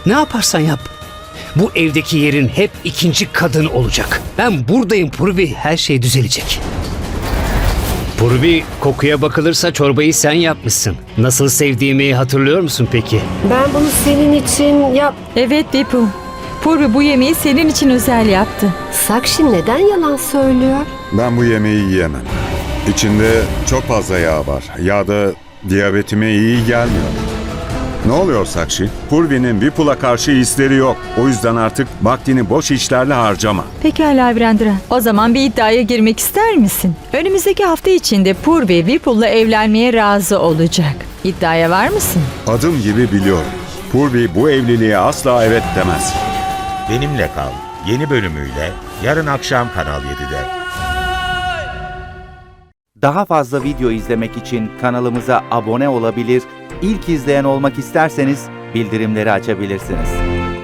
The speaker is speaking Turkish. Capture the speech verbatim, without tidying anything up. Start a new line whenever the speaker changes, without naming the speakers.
Ne yaparsan yap. Bu evdeki yerin hep ikinci kadın olacak. Ben buradayım Purvi. Her şey düzelecek. Purvi, kokuya bakılırsa çorbayı sen yapmışsın. Nasıl sevdiğimi hatırlıyor musun peki?
Ben bunu senin için yap...
Evet Vipu. Purvi bu yemeği senin için özel yaptı.
Sakshi neden yalan söylüyor?
Ben bu yemeği yiyemem. İçinde çok fazla yağ var. Yağ da diyabetime iyi gelmiyor. Ne oluyor Sakshi? Purvi'nin Vipul'a karşı hisleri yok. O yüzden artık vaktini boş işlerle harcama.
Pekala Virendra. O zaman bir iddiaya girmek ister misin? Önümüzdeki hafta içinde Purvi Vipul'la evlenmeye razı olacak. İddiaya var mısın?
Adım gibi biliyorum. Purvi bu evliliğe asla evet demez.
Benimle Kal yeni bölümüyle yarın akşam Kanal yedide.
Daha fazla video izlemek için kanalımıza abone olabilir, ilk izleyen olmak isterseniz bildirimleri açabilirsiniz.